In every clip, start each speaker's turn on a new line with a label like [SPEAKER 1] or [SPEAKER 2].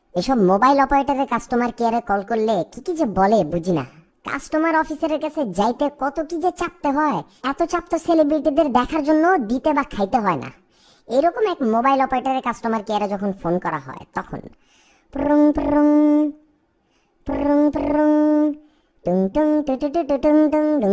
[SPEAKER 1] এসব মোবাইল অপারেটরের কাস্টমার কেয়ারে কল করলে কি কি যে বলে বুঝি না। কাস্টমার অফিসারের কাছে যাইতে কত কি যে চাপতে হয়, এত চাপ তো সেলিব্রিটিদের দেখার জন্য দিতে বা খাইতে হয় না। এরকম এক মোবাইল অপারেটরের কাস্টমার কেয়ারে যখন ফোন করা হয় তখন প্রং প্রং প্রং প্রং টুং টুং টু টু টু টু টুং টুং টুং।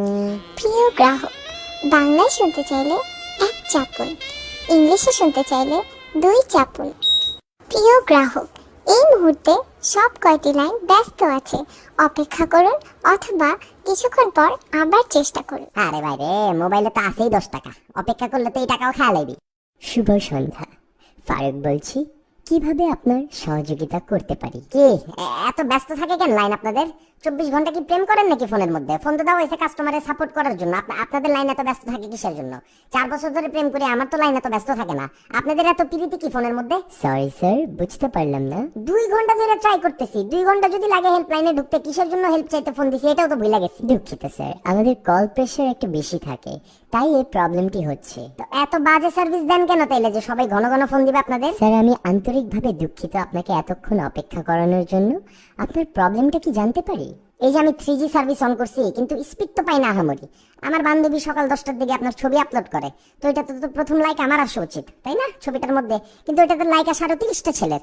[SPEAKER 2] প্রিয় গ্রাহক, বাংলায় শুনতে চাইলে 1 চাপুন, ইংলিশে শুনতে চাইলে 2 চাপুন। প্রিয় গ্রাহক, এই মুহূর্তে সব কয়টি লাইন ব্যস্ত আছে, অপেক্ষা করুন অথবা কিছুক্ষণ পর আবার চেষ্টা করুন।
[SPEAKER 1] আরে ভাই রে, মোবাইলে তো আছেই 10 টাকা, অপেক্ষা করলে তো এই টাকাও খেয়া লাইবি। শুভ সন্ধ্যা, ফারুক বলছি, কিভাবে আপনার সহযোগিতা করতে পারি? কি এত ব্যস্ত থাকে কেন লাইন আপনাদের? 24 ঘন্টা কি প্রেম করেন নাকি ফোনের মধ্যে? ফোন তো দাও এসে কাস্টমারের সাপোর্ট করার জন্য। আপনাদের লাইন এত ব্যস্ত থাকে কিসের জন্য? 4 বছর ধরে প্রেম করে আমার তো লাইন এত ব্যস্ত থাকে না। আপনাদের এত প্রীতি কি ফোনের মধ্যে? সরি স্যার, বুঝতে পারলাম না। 2 ঘন্টা ধরে ট্রাই করতেছি, 2 ঘন্টা যদি লাগে হেল্পলাইনে ঢুকতে, কিসের জন্য হেল্প চাইতে ফোন দিছি এটাও তো ভুলে গেছি। দুঃখিত স্যার, আমাদের কল প্রেশার একটু বেশি থাকে, তাই এই প্রবলেমটি হচ্ছে। তো এত বাজে সার্ভিস দেন কেন তাইলে যে সবাই ঘন ঘন ফোন দিবে আপনাদের? স্যার, আমি আন্তরিকভাবে দুঃখিত আপনাকে এতক্ষণ অপেক্ষা করানোর জন্য। আপনার প্রবলেমটা কি জানতে পারি? এই যে আমি 3G সার্ভিস অন করছি কিন্তু স্পিড তো পাই না আহামরি। আমার বান্ধবী সকাল 10টার দিকে আপনার ছবি আপলোড করে, তো এটা তো প্রথম লাইক আমার আসা উচিত, তাই না, ছবিটার মধ্যে? কিন্তু এটাতে লাইক আসা আরো 30টা ছেলের।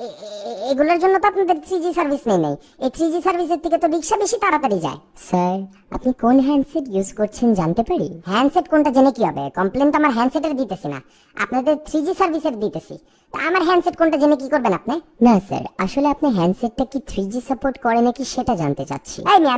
[SPEAKER 1] এগুলোর জন্য তো আপনাদের 3G সার্ভিস নেই। এই 3G সার্ভিসের থেকে তো রিক্সা বেশি তাড়াতাড়ি যায়। স্যার, আপনি কোন হ্যান্ডসেট ইউজ করছেন জানতে পারি? হ্যান্ডসেট কোনটা জেনে কি হবে? কমপ্লেন তো আমার হ্যান্ডসেটের দিতেছি না, আপনাদের 3G সার্ভিসের দিতেছি। তা আমার হ্যান্ডসেট কোনটা জেনে কি করবেন আপনি? না স্যার, আসলে আপনি হ্যান্ডসেটটা কি 3G সাপোর্ট করে নাকি সেটা জানতে চাচ্ছি।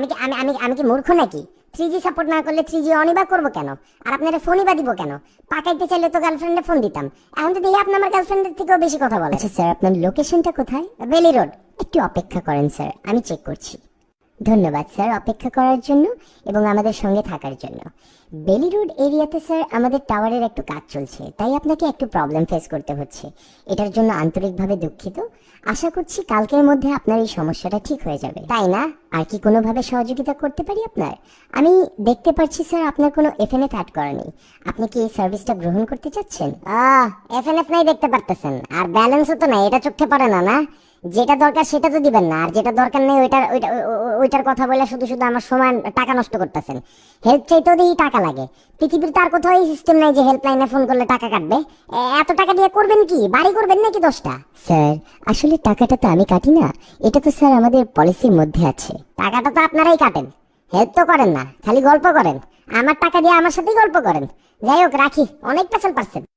[SPEAKER 1] আমি কি মূর্খ নাকি? 3G সাপোর্ট না করলে 3G অনই বা করবো কেন? আর আপনারা ফোনই বা দিব কেন? পাকাইতে চাইলে তো গার্লফ্রেন্ডে ফোন দিতাম। এখন তো দেখি আপনি আমার গার্লফ্রেন্ডের থেকেও বেশি কথা বলেন। আচ্ছা স্যার, আপনার লোকেশনটা কোথায়? বেলি রোড। একটু অপেক্ষা করেন স্যার, আমি চেক করছি। ধন্যবাদ স্যার অপেক্ষা করার জন্য এবং আমাদের সঙ্গে থাকার জন্য। বেলি রোড এরিয়াতে স্যার আমাদের টাওয়ারের একটু কাজ চলছে, তাই আপনাকে একটু প্রবলেম ফেস করতে হচ্ছে। এটার জন্য আন্তরিকভাবে দুঃখিত। আশা করছি কালকের মধ্যে আপনার এই সমস্যাটা ঠিক হয়ে যাবে। তাই না? আর কি কোনোভাবে সহযোগিতা করতে পারি আপনার? আমি দেখতে পাচ্ছি স্যার আপনার কোনো এফএনএফ অ্যাড করা নেই। আপনি কি এই সার্ভিসটা গ্রহণ করতে চাচ্ছেন? এফএনএফ নাই দেখতে পারতেছেন, আর ব্যালেন্সও তো নাই, এটা চোখে পড়ে না? না, যেটা দরকার সেটা তো দিবেন না, আর যেটা দরকার নেই ওইটার কথা বলে শুধু শুধু আমার সময় টাকা নষ্ট করতেছেন। হেল্প চাইতেও দেখি টাকা লাগে। পৃথিবীর তার কোথাও এই সিস্টেম নাই যে হেল্পলাইনে ফোন করলে টাকা কাটবে। এত টাকা দিয়ে করবেন কি? বাড়ি করবেন নাকি 10টা? স্যার, আসলে টাকাটা তো আমি কাটি না, এটা তো স্যার আমাদের পলিসির মধ্যে আছে। টাকাটা তো আপনারাই কাটেন, হেল্প তো করেন না, খালি গল্প করেন। আমার টাকা দিয়ে আমার সাথেই গল্প করেন। যাই হোক, রাখি, অনেক পেছাল পারছেন।